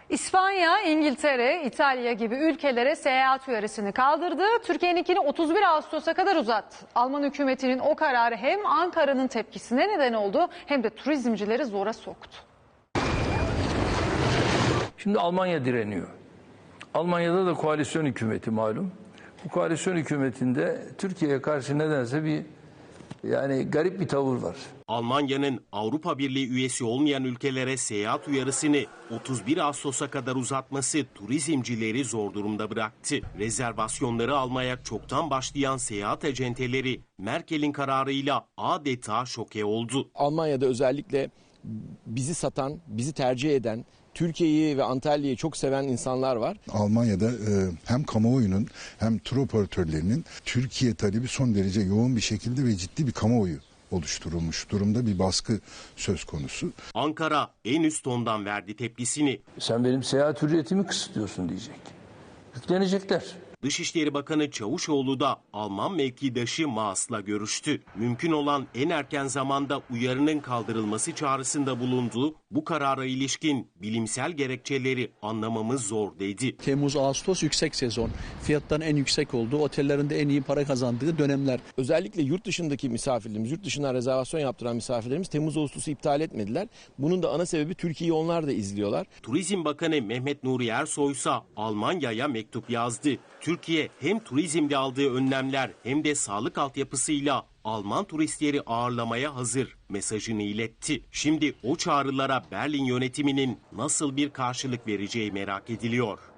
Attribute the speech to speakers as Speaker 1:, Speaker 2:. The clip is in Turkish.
Speaker 1: İspanya, İngiltere, İtalya gibi ülkelere seyahat uyarısını kaldırdı. Türkiye'ninkini 31 Ağustos'a kadar uzattı. Alman hükümetinin o kararı hem Ankara'nın tepkisine neden oldu hem de turizmcileri zora soktu.
Speaker 2: Şimdi Almanya direniyor. Almanya'da da koalisyon hükümeti malum. Bu koalisyon hükümetinde Türkiye'ye karşı nedense garip bir tavır var.
Speaker 3: Almanya'nın Avrupa Birliği üyesi olmayan ülkelere seyahat uyarısını 31 Ağustos'a kadar uzatması turizmcileri zor durumda bıraktı. Rezervasyonları almaya çoktan başlayan seyahat acenteleri Merkel'in kararıyla adeta şoke oldu.
Speaker 4: Almanya'da özellikle bizi satan, bizi tercih eden, Türkiye'yi ve Antalya'yı çok seven insanlar var.
Speaker 5: Almanya'da hem kamuoyunun hem tur operatörlerinin Türkiye talebi son derece yoğun bir şekilde ve ciddi bir kamuoyu oluşturulmuş durumda, bir baskı söz konusu.
Speaker 3: Ankara en üst tondan verdi tepkisini.
Speaker 2: Sen benim seyahat hürriyetimi kısıtlıyorsun diyecek. Yüklenecekler.
Speaker 3: Dışişleri Bakanı Çavuşoğlu da Alman mevkidaşı Maas'la görüştü. Mümkün olan en erken zamanda uyarının kaldırılması çağrısında bulundu. Bu karara ilişkin bilimsel gerekçeleri anlamamız zor dedi.
Speaker 6: Temmuz-Ağustos yüksek sezon. Fiyatların en yüksek olduğu, otellerin de en iyi para kazandığı dönemler.
Speaker 4: Özellikle yurt dışındaki misafirlerimiz, yurt dışından rezervasyon yaptıran misafirlerimiz Temmuz-Ağustos'u iptal etmediler. Bunun da ana sebebi Türkiye'yi onlar da izliyorlar.
Speaker 3: Turizm Bakanı Mehmet Nuri Ersoy ise Almanya'ya mektup yazdı. Türkiye hem turizmde aldığı önlemler hem de sağlık altyapısıyla Alman turistleri ağırlamaya hazır mesajını iletti. Şimdi o çağrılara Berlin yönetiminin nasıl bir karşılık vereceği merak ediliyor.